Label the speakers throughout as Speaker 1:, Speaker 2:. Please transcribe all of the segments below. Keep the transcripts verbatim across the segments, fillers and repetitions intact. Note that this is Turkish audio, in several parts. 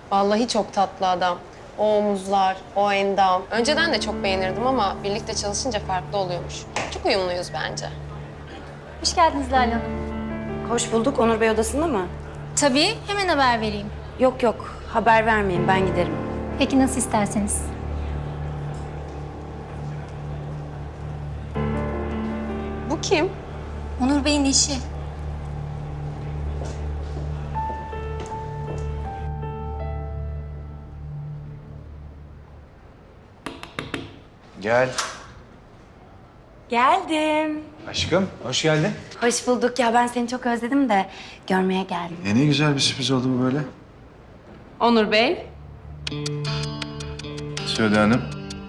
Speaker 1: Vallahi çok tatlı adam. O omuzlar, o endam. Önceden de çok beğenirdim ama birlikte çalışınca farklı oluyormuş. Çok uyumluyuz bence.
Speaker 2: Hoş geldiniz Lale Hanım.
Speaker 3: Hoş bulduk. Onur Bey odasında mı?
Speaker 2: Tabii, hemen haber vereyim.
Speaker 3: Yok yok. Haber vermeyin. Ben giderim.
Speaker 2: Peki nasıl isterseniz.
Speaker 1: Bu kim?
Speaker 2: Onur Bey'in eşi.
Speaker 4: Gel.
Speaker 3: Geldim.
Speaker 4: Aşkım, hoş geldin.
Speaker 3: Hoş bulduk. Ya ben seni çok özledim de görmeye geldim.
Speaker 4: Ya ne güzel bir sürpriz oldu bu böyle.
Speaker 1: Onur Bey.
Speaker 4: Söyle Hanım.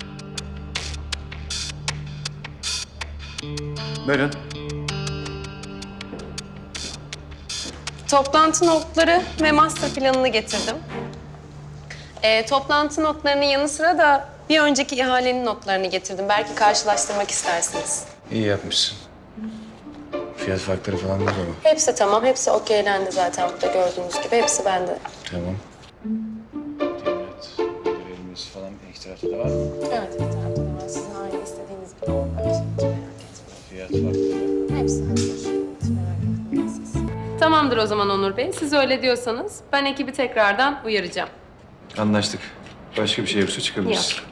Speaker 4: Buyurun.
Speaker 1: Toplantı notları ve master planını getirdim. Ee, toplantı notlarının yanı sıra da bir önceki ihalenin notlarını getirdim. Belki karşılaştırmak istersiniz.
Speaker 4: İyi yapmışsın. Fiyat farkları falan da var.
Speaker 1: Hepsi tamam, hepsi okeylendi zaten burada gördüğünüz gibi. Hepsi bende.
Speaker 4: Tamam. Evet. Modelimiz falan ilk tarafta da var mı?
Speaker 1: Evet, bir tarafta da var. Sizin aynı istediğiniz gibi olmak için hiç merak etmeyin.
Speaker 4: Fiyat farkları.
Speaker 1: Hepsi hazır. Hiç merak etmeyin siz. Tamamdır o zaman Onur Bey. Siz öyle diyorsanız ben ekibi tekrardan uyaracağım.
Speaker 4: Anlaştık. Başka bir şey yoksa çıkabiliriz.
Speaker 1: Yok.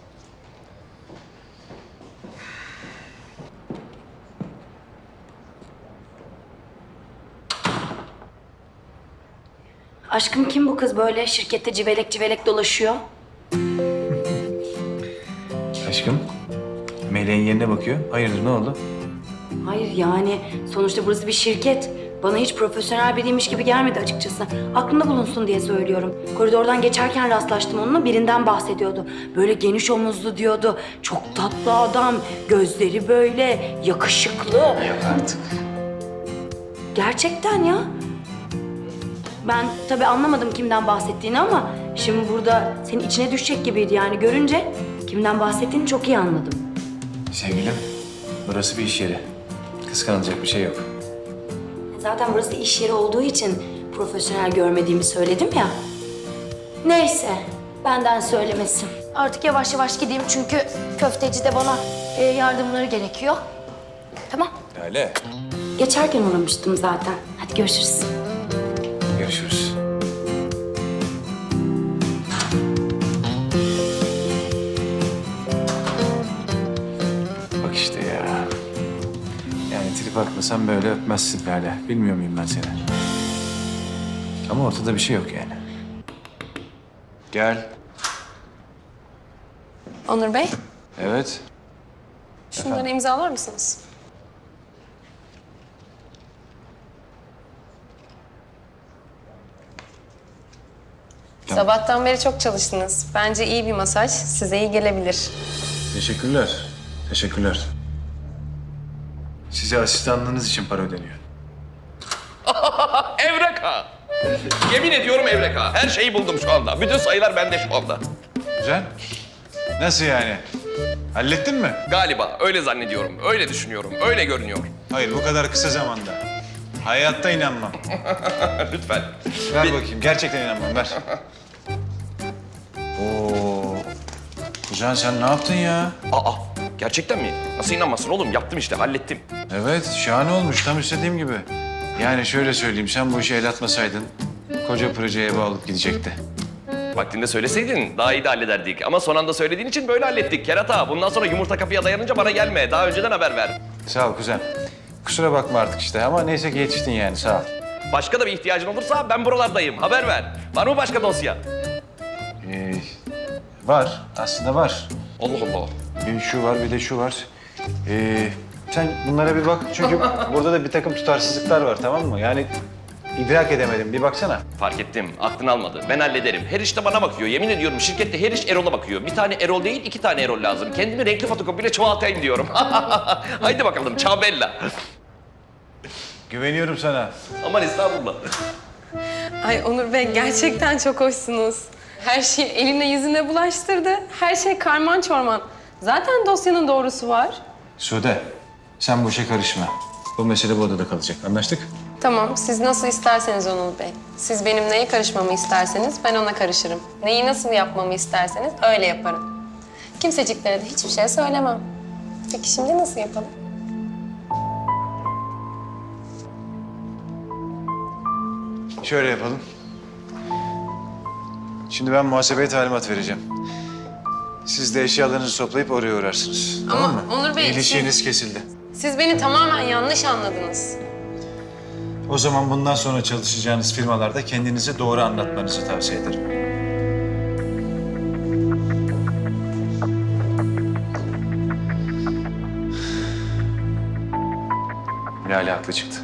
Speaker 3: Aşkım kim bu kız böyle şirkette civelek civelek dolaşıyor?
Speaker 4: Aşkım, Meleğin yerine bakıyor. Hayırdır, ne oldu?
Speaker 3: Hayır yani sonuçta burası bir şirket. Bana hiç profesyonel biriymiş gibi gelmedi açıkçası. Aklında bulunsun diye söylüyorum. Koridordan geçerken rastlaştım onunla, birinden bahsediyordu. Böyle geniş omuzlu diyordu. Çok tatlı adam, gözleri böyle yakışıklı.
Speaker 4: Yok artık.
Speaker 3: Gerçekten ya. Ben tabii anlamadım kimden bahsettiğini ama şimdi burada senin içine düşecek gibiydi yani görünce kimden bahsettiğini çok iyi anladım.
Speaker 4: Sevgilim, burası bir iş yeri. Kıskanılacak bir şey yok.
Speaker 3: Zaten burası iş yeri olduğu için profesyonel görmediğimi söyledim ya. Neyse, benden söylemesin. Artık yavaş yavaş gideyim çünkü köfteci de bana e, yardımları gerekiyor. Tamam.
Speaker 4: Lale.
Speaker 3: Geçerken uğramıştım zaten. Hadi görüşürüz.
Speaker 4: Görüşürüz. Bak işte ya. Yani trip atmasam böyle öpmezsin Lale. Bilmiyor muyum ben seni? Ama ortada bir şey yok yani. Gel.
Speaker 1: Onur Bey,
Speaker 4: Evet.
Speaker 1: şunları
Speaker 4: Efendim?
Speaker 1: imzalar mısınız?
Speaker 4: Tamam.
Speaker 1: Sabahtan beri çok çalıştınız. Bence iyi bir masaj size iyi gelebilir.
Speaker 4: Teşekkürler. Teşekkürler. Size asistanlığınız için para ödeniyor.
Speaker 5: Evreka! Yemin ediyorum Evreka. Her şeyi buldum şu anda. Bütün sayılar bende şu anda.
Speaker 4: Güzel. Nasıl yani? Hallettin mi?
Speaker 5: Galiba öyle zannediyorum, öyle düşünüyorum, öyle görünüyor.
Speaker 4: Hayır, bu kadar kısa zamanda. Hayatta inanmam.
Speaker 5: Lütfen.
Speaker 4: Ver
Speaker 5: Bir-
Speaker 4: bakayım. Gerçekten inanmam. Ver. Oo. Kuzen sen ne yaptın ya?
Speaker 5: Aa, gerçekten mi? Nasıl inanmasın oğlum? Yaptım işte, hallettim.
Speaker 4: Evet, şahane olmuş. Tam istediğim gibi. Yani şöyle söyleyeyim, sen bu işe el atmasaydın koca projeye ev alıp gidecekti.
Speaker 5: Vaktinde söyleseydin daha iyi de hallederdik. Ama son anda söylediğin için böyle hallettik. Kerata, bundan sonra yumurta kapıya dayanınca bana gelme. Daha önceden haber ver.
Speaker 4: Sağ ol kuzen. Kusura bakma artık işte ama neyse ki yetiştin yani, sağ ol.
Speaker 5: Başka da bir ihtiyacın olursa ben buralardayım. Haber ver. Var mı başka dosya?
Speaker 4: Ee, var, aslında var.
Speaker 5: Allah Allah.
Speaker 4: Bir şu var, bir de şu var. Ee, sen bunlara bir bak çünkü burada da bir takım tutarsızlıklar var, tamam mı? Yani idrak edemedim, bir baksana.
Speaker 5: Fark ettim. Aklın almadı. Ben hallederim. Her işte bana bakıyor. Yemin ediyorum şirkette her iş Erol'a bakıyor. Bir tane Erol değil, iki tane Erol lazım. Kendimi renkli fotokopiyle çoğaltayım diyorum. Haydi bakalım, ciao bella.
Speaker 4: Güveniyorum sana.
Speaker 5: Aman estağfurullah.
Speaker 1: Ay Onur Bey gerçekten çok hoşsunuz. Her şeyi eline yüzüne bulaştırdı. Her şey karman çorman. Zaten dosyanın doğrusu var.
Speaker 4: Sude, sen bu işe karışma. Bu mesele bu odada kalacak. Anlaştık?
Speaker 1: Tamam, siz nasıl isterseniz Onur Bey. Siz benim neye karışmamı isterseniz ben ona karışırım. Neyi nasıl yapmamı isterseniz öyle yaparım. Kimseciklere de hiçbir şey söylemem. Peki şimdi nasıl yapalım?
Speaker 4: Şöyle yapalım. Şimdi ben muhasebeye talimat vereceğim. Siz de eşyalarınızı toplayıp oraya uğrarsınız.
Speaker 1: Ama
Speaker 4: tamam mı?
Speaker 1: Onur Bey,
Speaker 4: İlişkiniz kesildi.
Speaker 1: Siz beni tamamen yanlış anladınız.
Speaker 4: O zaman bundan sonra çalışacağınız firmalarda kendinizi doğru anlatmanızı tavsiye ederim. Lale haklı çıktı.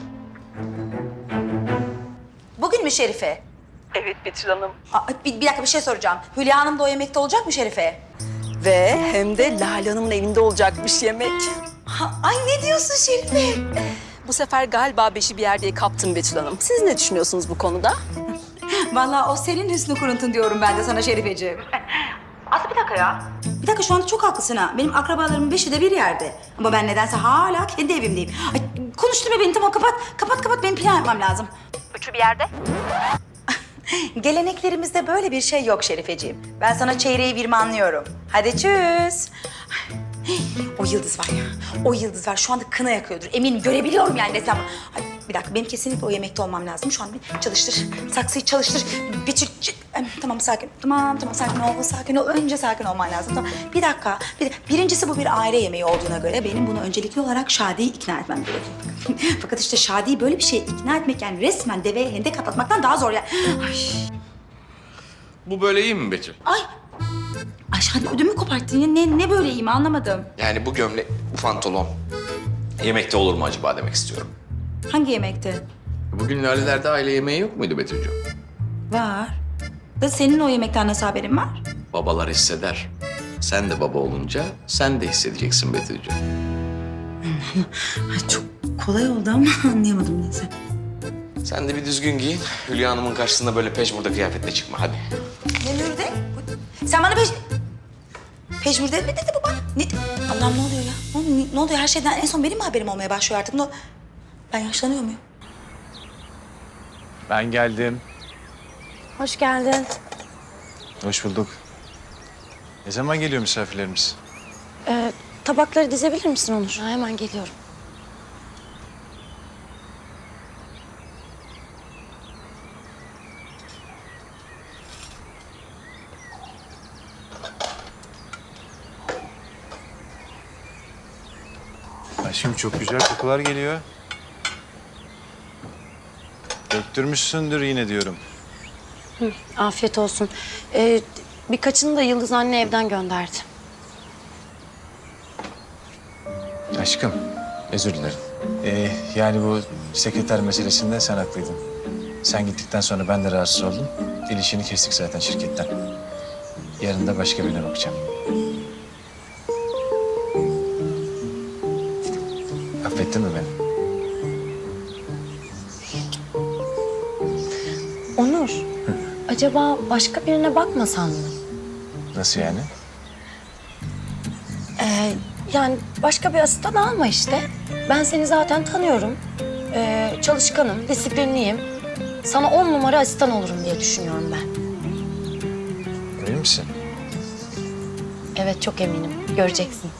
Speaker 6: Bugün mü Şerife?
Speaker 7: Evet Betül Hanım.
Speaker 6: Aa, bir, bir dakika bir şey soracağım. Hülya Hanım da o yemekte olacak mı Şerife?
Speaker 7: Ve hem de Lale Hanım'ın evinde olacakmış yemek.
Speaker 6: Ha, ay ne diyorsun Şerife?
Speaker 7: Bu sefer galiba beşi bir yerdeye kaptım Betül Hanım. Siz ne düşünüyorsunuz bu konuda?
Speaker 6: Vallahi o senin hüsnü kuruntun diyorum ben de sana Şerifeciğim. Aslı bir dakika ya. Bir dakika şu anda çok haklısın ha. Benim akrabalarımın beşi de bir yerde. Ama ben nedense hala kendi evimdeyim. Ay, konuşturma beni tamam kapat. Kapat kapat benim plan yapmam lazım. Üçü bir yerde. Geleneklerimizde böyle bir şey yok Şerifeciğim. Ben sana çeyreği virmanlıyorum. Hadi çüz. O yıldız var ya, o yıldız var. Şu anda kına yakıyordur. Eminim görebiliyorum yani desem. Ay, bir dakika benim kesinlikle o yemekte olmam lazım. Şu an bir çalıştır, saksıyı çalıştır. Bir çı- çı- Em, Tamam sakin, tamam tamam sakin ol, sakin ol. Önce sakin olman lazım. Tamam. Bir dakika, bir, birincisi bu bir aile yemeği olduğuna göre benim bunu öncelikli olarak Şadi'yi ikna etmem gerekiyor. Fakat işte Şadi'yi böyle bir şeye ikna etmek yani resmen deveye hendek atlatmaktan daha zor yani. Ay,
Speaker 5: Bu böyle iyi mi Betül?
Speaker 6: ay. Ay Şadi ödümü koparttın ya. Ne, ne böyle iyi mi anlamadım.
Speaker 5: Yani bu gömlek, bu pantolon yemekte olur mu acaba demek istiyorum.
Speaker 6: Hangi yemekti?
Speaker 5: Bugün Lale'lerde aile yemeği yok muydu Betül'cüğüm?
Speaker 6: Var. Da senin o yemekten nasıl haberin var?
Speaker 5: Babalar hisseder. Sen de baba olunca sen de hissedeceksin Betül'cüğüm.
Speaker 6: Ay çok kolay oldu ama anlayamadım neyse.
Speaker 5: Sen de bir düzgün giyin. Hülya Hanım'ın karşısında böyle peşmurda kıyafetle çıkma hadi.
Speaker 6: Ne mürde? Sen bana peş... Peşmürde mi dedi bu bana? Ne... Allah'ım ne oluyor ya? Ne, oluyor? ne oluyor? Her şeyden en son benim mi haberim olmaya başlıyor artık? Ne... Ben yaşlanıyor muyum?
Speaker 4: Ben geldim.
Speaker 2: Hoş geldin.
Speaker 4: Hoş bulduk. Ne zaman geliyor misafirlerimiz?
Speaker 2: Ee, tabakları dizebilir misin Onur? Ha, hemen geliyorum.
Speaker 4: Aşkım çok güzel kokular geliyor. Döktürmüşsündür yine diyorum.
Speaker 8: Afiyet olsun. Ee, birkaçını da Yıldız anne evden gönderdi.
Speaker 4: Aşkım, özür dilerim. Ee, yani bu sekreter meselesinde sen haklıydın. Sen gittikten sonra ben de rahatsız oldum. Dil işini kestik zaten şirketten. Yarın da başka birine bakacağım. Affettin mi beni?
Speaker 8: Onur, acaba başka birine bakmasan mı?
Speaker 4: Nasıl yani?
Speaker 8: Ee, yani başka bir asistan alma işte. Ben seni zaten tanıyorum. Ee, çalışkanım, disiplinliyim. Sana on numara asistan olurum diye düşünüyorum ben.
Speaker 4: Emin misin?
Speaker 8: Evet, çok eminim. Göreceksin.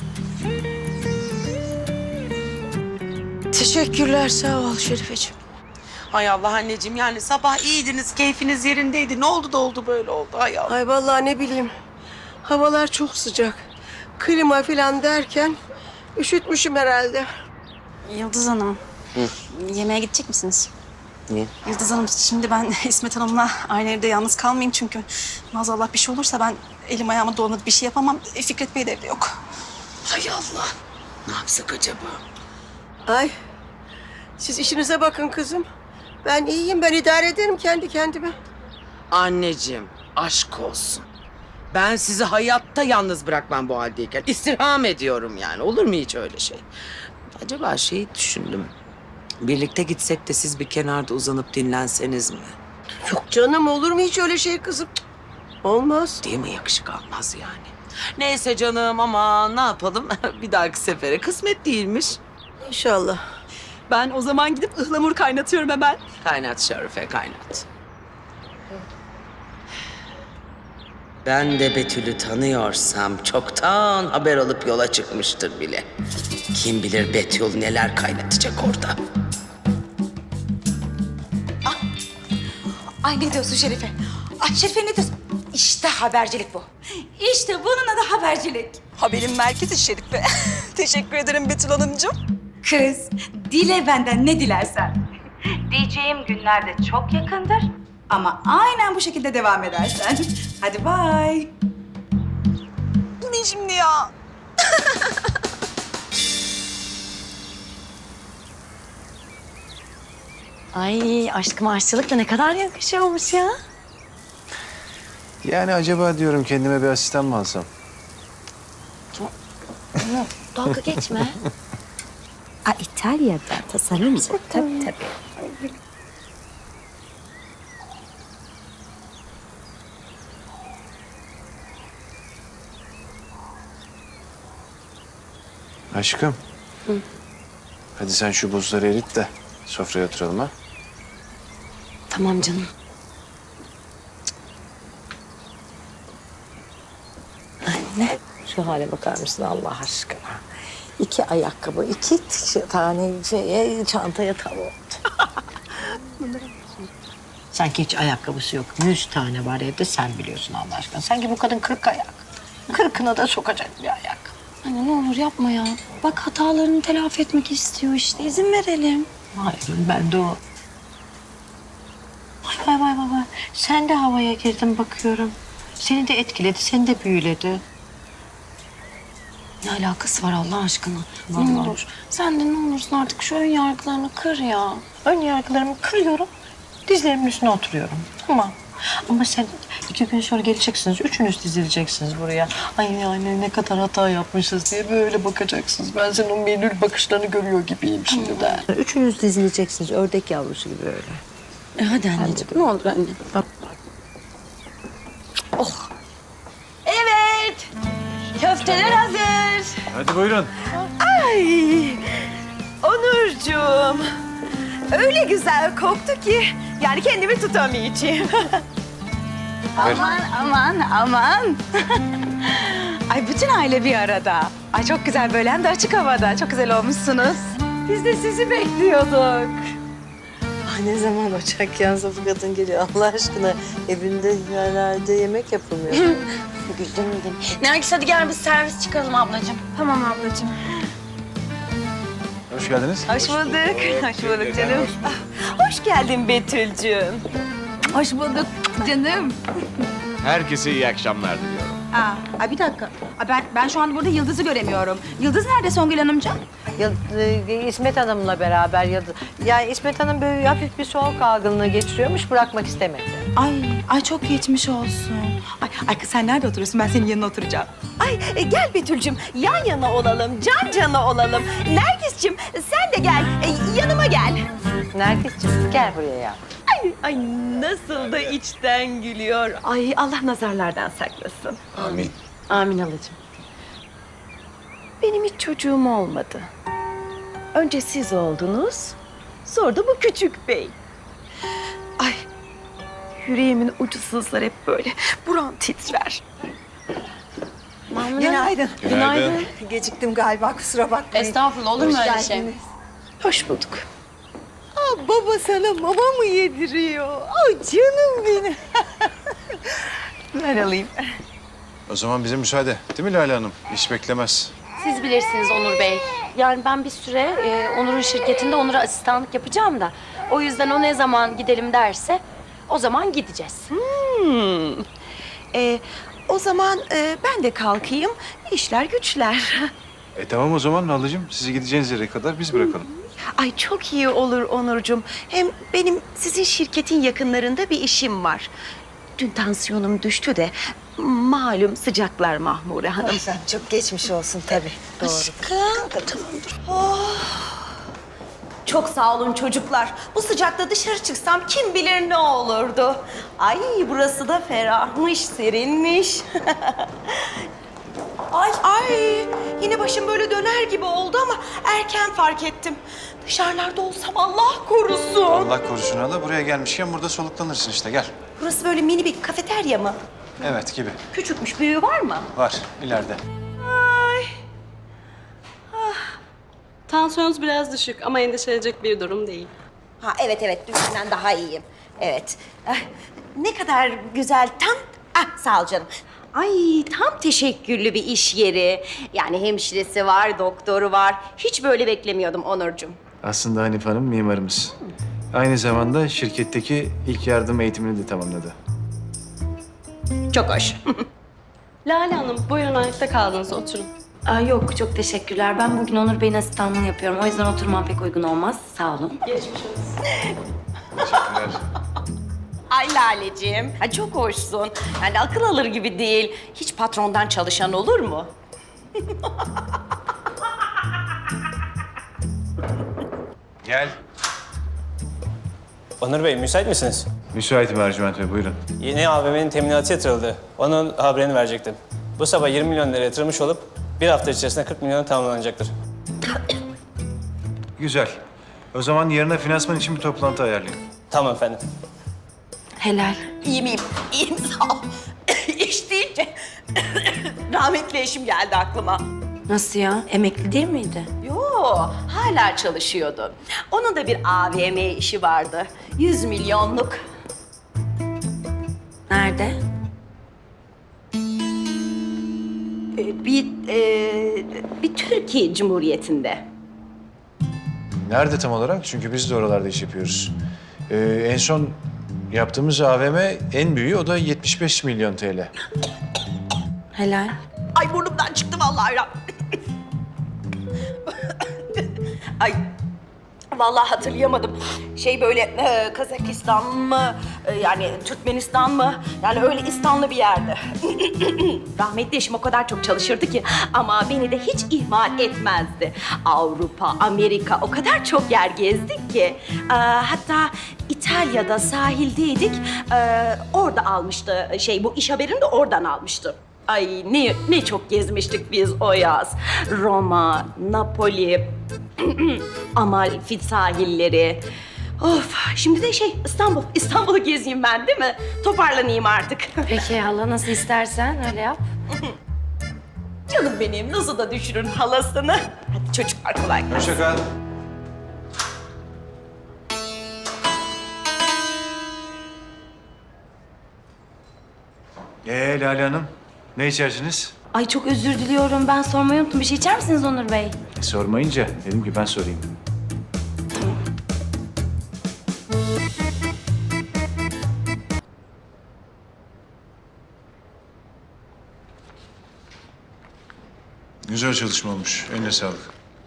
Speaker 9: Teşekkürler, sağ ol Şerifeciğim. Hay Allah anneciğim, yani sabah iyiydiniz, keyfiniz yerindeydi. Ne oldu da oldu böyle oldu, hay Allah.
Speaker 10: Ay vallahi ne bileyim. Havalar çok sıcak. Klima falan derken üşütmüşüm herhalde.
Speaker 11: Yıldız Hanım, yemeğe gidecek misiniz? Niye? Yıldız Hanım, şimdi ben İsmet Hanım'la aynı evde yalnız kalmayayım çünkü maazallah bir şey olursa ben elim ayağıma dolanıp bir şey yapamam. E, Fikret Bey de evde yok.
Speaker 9: Hay Allah, ne yapsak acaba?
Speaker 10: Ay siz işinize bakın kızım. Ben iyiyim, ben idare ederim kendi kendime.
Speaker 9: Anneciğim, aşk olsun. Ben sizi hayatta yalnız bırakmam bu haldeyken. İstirham ediyorum yani, olur mu hiç öyle şey? Acaba şeyi düşündüm. Birlikte gitsek de siz bir kenarda uzanıp dinlenseniz mi?
Speaker 10: Yok canım, olur mu hiç öyle şey kızım? Cık, olmaz.
Speaker 9: Değil mi? Yakışık almaz yani. Neyse canım, ama ne yapalım? Bir dahaki sefere kısmet değilmiş.
Speaker 10: İnşallah.
Speaker 7: Ben o zaman gidip ıhlamur kaynatıyorum hemen.
Speaker 9: Kaynat Şerife, kaynat. Ben de Betül'ü tanıyorsam çoktan haber alıp yola çıkmıştır bile. Kim bilir Betül neler kaynatacak orada.
Speaker 6: Ay ne diyorsun Şerife? Ay Şerife ne diyorsun? İşte habercilik bu. İşte bunun adı habercilik.
Speaker 7: Haberin merkezi Şerife. Teşekkür ederim Betül Hanımcığım.
Speaker 6: Kız, dile benden ne dilersen. Diyeceğim günler de çok yakındır. Ama aynen bu şekilde devam edersen. Hadi bay.
Speaker 7: Bu ne şimdi ya?
Speaker 8: Ay aşkım aşçılık da ne kadar yakışıyormuş ya.
Speaker 4: Yani acaba diyorum kendime bir asistan mı alsam?
Speaker 8: Dalga geçme.
Speaker 2: Aa, İtalya'da tasarımcı. Tabii tabii.
Speaker 4: Aşkım. Hadi sen şu buzları erit de sofraya oturalım ha.
Speaker 8: Tamam canım.
Speaker 10: Anne, şu hale bakar mısın Allah aşkına? İki ayakkabı, iki tane şeye, çantaya tav oldu. Sanki hiç ayakkabısı yok. Yüz tane var evde, sen biliyorsun Allah aşkına. Sanki bu kadın kırk ayak. Kırkına da sokacak bir ayak.
Speaker 8: Anne ne olur yapma ya. Bak hatalarını telafi etmek istiyor işte. İzin verelim.
Speaker 10: Hayır, ben de o. Vay vay vay vay. Sen de havaya girdin bakıyorum. Seni de etkiledi, seni de büyüledi.
Speaker 8: Ne alakası var Allah aşkına? Ne
Speaker 10: Vallahi.
Speaker 8: olur. Sen de ne olursun artık şu ön yargılarını kır ya.
Speaker 10: Ön yargılarımı kırıyorum, dizlerimin üstüne oturuyorum. Tamam. Ama sen iki gün sonra geleceksiniz, üçünüz dizileceksiniz buraya. Ay yani ne kadar hata yapmışız diye böyle bakacaksınız. Ben senin o menül bakışlarını görüyor gibiyim şimdi de. Üçünüz dizileceksiniz, ördek yavrusu gibi öyle.
Speaker 8: E hadi anneciğim ne olur anne.
Speaker 6: Evet. Köfteler hazır.
Speaker 4: Hadi buyurun.
Speaker 7: Onurcuğum. Öyle güzel koktu ki yani kendimi tutamayacağım.
Speaker 6: Aman aman aman. Ay bütün aile bir arada. Ay çok güzel böyle hem de açık havada. Çok güzel olmuşsunuz. Biz de sizi bekliyorduk.
Speaker 10: Ay ne zaman ocak yansa bu kadın geliyor Allah aşkına. Evinde yerlerde yemek yapılmıyor.
Speaker 8: Güldüm dedim. Nergis hadi gel biz servis çıkaralım ablacığım.
Speaker 6: Tamam ablacığım.
Speaker 4: Hoş geldiniz.
Speaker 7: Hoş bulduk. Hoş bulduk canım. Ah, hoş geldin Betül'cüğüm.
Speaker 6: Hoş bulduk canım.
Speaker 5: Herkese iyi akşamlar diliyorum.
Speaker 6: Aa, ay bir dakika. Ay ben, ben şu anda burada Yıldız'ı göremiyorum. Yıldız nerede Songül Hanımcığım?
Speaker 10: Ya, e, İsmet Hanım'la beraber ya yani İsmet Hanım böyle hafif bir soğuk algınlığı geçiriyormuş, bırakmak istemedi.
Speaker 6: Ay, ay çok geçmiş olsun. Ay, ay kız sen nerede oturuyorsun? Ben senin yanına oturacağım.
Speaker 7: Ay e, gel Betül'cüğüm yan yana olalım, can cana olalım. Nergis'cim sen de gel, e, yanıma gel.
Speaker 10: Nergis'ciğim gel buraya ya.
Speaker 7: Ay, ay nasıl da içten gülüyor. Ay Allah nazarlardan saklasın.
Speaker 4: Amin.
Speaker 8: Amin halacığım.
Speaker 7: Benim hiç çocuğum olmadı. Önce siz oldunuz, sonra da bu küçük bey. Ay, yüreğimin ucu sızlar hep böyle. Buram titrer.
Speaker 10: Günaydın.
Speaker 4: Günaydın.
Speaker 10: Geciktim galiba, kusura bakmayın.
Speaker 1: Estağfurullah olur mu öyle şey?
Speaker 7: Hoş bulduk.
Speaker 10: Aa, baba sana mama mı yediriyor? Aa, canım benim.
Speaker 7: Ver alayım.
Speaker 4: O zaman bize müsaade. Değil mi Lale Hanım? İş beklemez.
Speaker 8: Siz bilirsiniz Onur Bey. Yani ben bir süre e, Onur'un şirketinde Onur'a asistanlık yapacağım da. O yüzden o ne zaman gidelim derse o zaman gideceğiz.
Speaker 7: Hmm. Ee, o zaman e, ben de kalkayım. İşler güçler.
Speaker 4: E tamam o zaman Nalıcığım. Sizi gideceğiniz yere kadar biz bırakalım.
Speaker 7: Ay çok iyi olur Onurcuğum. Hem benim sizin şirketin yakınlarında bir işim var. Dün tansiyonum düştü de malum sıcaklar Mahmure Hanım.
Speaker 10: Çok geçmiş olsun tabii. Doğru.
Speaker 7: Çok sağ olun çocuklar. Bu sıcakta dışarı çıksam kim bilir ne olurdu. Ay burası da ferahmış, serinmiş. Ay ay yine başım böyle döner gibi oldu ama erken fark ettim. Dışarılarda olsam Allah korusun.
Speaker 4: Allah korusun hala. Buraya gelmişken burada soluklanırsın işte. Gel.
Speaker 7: Burası böyle mini bir kafeterya mı?
Speaker 4: Evet gibi.
Speaker 7: Küçükmüş, büyüğü var mı?
Speaker 4: Var ileride.
Speaker 12: Tansiyonunuz biraz düşük ama endişelenecek bir durum değil.
Speaker 7: Ha evet evet dünkünden daha iyiyim. Evet. Ah, ne kadar güzel tam... Ah sağ ol canım. Ay tam teşekküllü bir iş yeri. Yani hemşiresi var, doktoru var. Hiç böyle beklemiyordum Onurcuğum.
Speaker 4: Aslında Hanif Hanım mimarımız. Aynı zamanda şirketteki ilk yardım eğitimini de tamamladı.
Speaker 7: Çok hoş.
Speaker 12: Lale Hanım buyurun ayakta kaldınız oturun.
Speaker 3: Aa, yok çok teşekkürler. Ben bugün Onur Bey'in asistanlığını yapıyorum. O yüzden oturmam pek uygun olmaz. Sağ olun.
Speaker 12: Geçmiş olsun.
Speaker 4: Teşekkürler.
Speaker 7: Ay Laleciğim, ha, çok hoşsun. Yani akıl alır gibi değil. Hiç patrondan çalışan olur mu?
Speaker 4: Gel.
Speaker 13: Onur Bey, müsait misiniz?
Speaker 4: Müsaitim Ercüment Bey, buyurun.
Speaker 13: Yeni A V M'nin teminatı yatırıldı. Onun haberini verecektim. Bu sabah yirmi milyon lira yatırılmış olup bir hafta içerisinde kırk milyona tamamlanacaktır.
Speaker 4: Güzel. O zaman yarına finansman için bir toplantı ayarlayın.
Speaker 13: Tamam efendim.
Speaker 3: Helal.
Speaker 7: İyiyim, iyiyim. İyiyim, sağ ol. İş deyince rahmetli eşim geldi aklıma.
Speaker 3: Nasıl ya? Emekli değil miydi?
Speaker 7: Yo, hala çalışıyordu. Onun da bir A V M işi vardı. Yüz milyonluk.
Speaker 3: Nerede?
Speaker 7: Ee, Bir, e, bir Türkiye Cumhuriyeti'nde.
Speaker 4: Nerede tam olarak? Çünkü biz de oralarda iş yapıyoruz. Ee, en son yaptığımız A V M en büyüğü, o da yetmiş beş milyon T L.
Speaker 3: Helal.
Speaker 7: Ay burnumdan çıktı vallahi. ya. Ay vallahi hatırlayamadım. Şey böyle e, Kazakistan mı e, yani Türkmenistan mı? Yani öyle İstanlı bir yerde. Rahmetli eşim o kadar çok çalışırdı ki ama beni de hiç ihmal etmezdi. Avrupa, Amerika o kadar çok yer gezdik ki. E, hatta İtalya'da sahildeydik. E, orada almıştı şey bu iş haberini de oradan almıştı. Ay ne ne çok gezmiştik biz o yaz. Roma, Napoli, Amalfi sahilleri. Of, şimdi de şey İstanbul. İstanbul'u gezeyim ben değil mi? Toparlanayım artık.
Speaker 3: Peki hala nasıl istersen öyle yap.
Speaker 7: Canım benim nasıl da düşürün halasını. Hadi çocuklar kolay gelsin.
Speaker 4: Hoşça kal. Ee Lale Hanım, ne içersiniz?
Speaker 3: Ay çok özür diliyorum. Ben sormayı unuttum. Bir şey içer misiniz Onur Bey?
Speaker 4: E, sormayınca dedim ki ben sorayım. Güzel çalışma olmuş. Eline sağlık.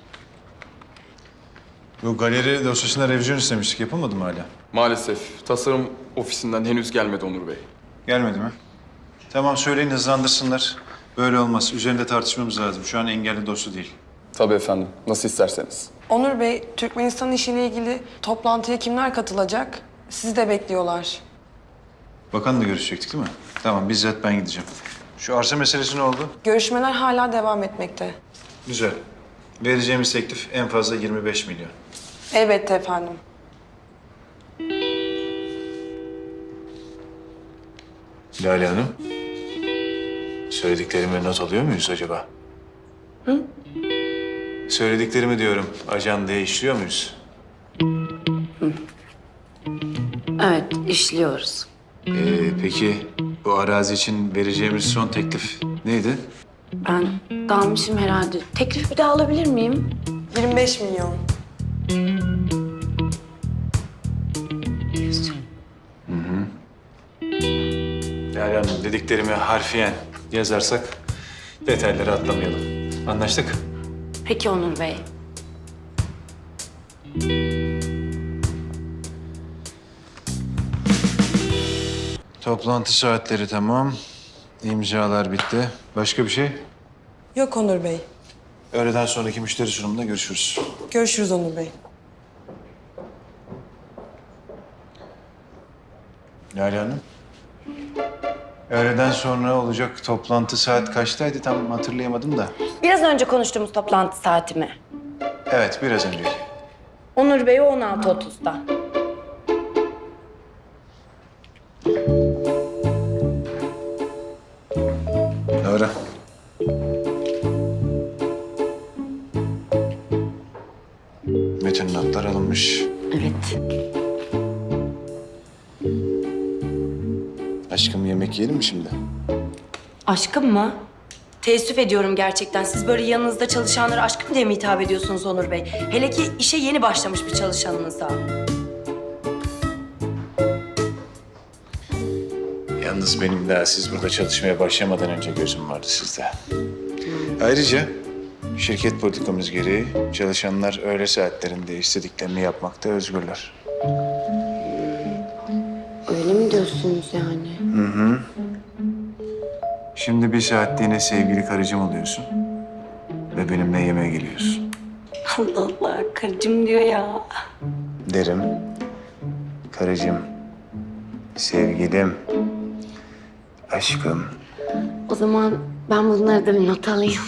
Speaker 4: Bu galeri dosyasına revizyon istemiştik. Yapılmadı mı hala?
Speaker 14: Maalesef tasarım ofisinden henüz gelmedi Onur Bey.
Speaker 4: Gelmedi mi? Tamam, söyleyin hızlandırsınlar. Böyle olmaz. Üzerinde tartışmamız lazım. Şu an engelli dosya değil.
Speaker 14: Tabii efendim. Nasıl isterseniz.
Speaker 1: Onur Bey, Türkmenistan işiyle ilgili toplantıya kimler katılacak? Sizi de bekliyorlar.
Speaker 4: Bakanla görüşecektik değil mi? Tamam, bizzat ben gideceğim. Şu arsa meselesi ne oldu?
Speaker 1: Görüşmeler hala devam etmekte.
Speaker 4: Güzel. Vereceğimiz teklif en fazla yirmi beş milyon.
Speaker 1: Elbette efendim.
Speaker 4: Lale Hanım, söylediklerimi not alıyor muyuz acaba? Hı? Söylediklerimi diyorum, ajandaya işliyor muyuz?
Speaker 3: Evet, işliyoruz.
Speaker 4: Ee, peki bu arazi için vereceğimiz son teklif neydi?
Speaker 3: Ben dalmışım herhalde. Teklif bir daha alabilir miyim?
Speaker 1: yirmi beş milyon.
Speaker 4: Lale Hanım, dediklerimi harfiyen yazarsak detayları atlamayalım. Anlaştık?
Speaker 3: Peki Onur Bey.
Speaker 4: Toplantı saatleri tamam. İmzalar bitti. Başka bir şey?
Speaker 1: Yok Onur Bey.
Speaker 4: Öğleden sonraki müşteri sunumunda görüşürüz.
Speaker 1: Görüşürüz Onur Bey.
Speaker 4: Lale Hanım. Öğleden sonra olacak toplantı saat kaçtaydı tam hatırlayamadım da.
Speaker 3: Biraz önce konuştuğumuz toplantı saati mi?
Speaker 4: Evet, biraz önceki.
Speaker 3: Onur Bey on altı otuzda.
Speaker 4: Doğru. Bütün notlar alınmış.
Speaker 3: Evet.
Speaker 4: Aşkım yemek yiyelim mi şimdi?
Speaker 3: Aşkım mı? Teessüf ediyorum gerçekten. Siz böyle yanınızda çalışanlara aşkım diye mi hitap ediyorsunuz Onur Bey? Hele ki işe yeni başlamış bir çalışanınıza.
Speaker 4: Yalnız benim daha siz burada çalışmaya başlamadan önce gözüm vardı sizde. Ayrıca şirket politikamız gereği çalışanlar öğle saatlerinde istediklerini yapmakta özgürler.
Speaker 3: Öyle mi diyorsunuz yani?
Speaker 4: Hı hı. Şimdi bir saatliğine sevgili karıcığım oluyorsun. Ve benimle yemeğe geliyorsun.
Speaker 3: Allah Allah, karıcığım diyor ya.
Speaker 4: Derim. Karıcığım. Sevgilim. Aşkım.
Speaker 8: O zaman ben bunları da bir not alayım.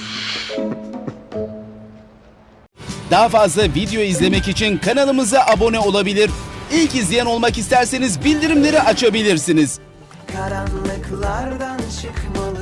Speaker 15: Daha fazla video izlemek için kanalımıza abone olabilir. İlk izleyen olmak isterseniz bildirimleri açabilirsiniz.
Speaker 9: Karanlıklardan çıkmalı.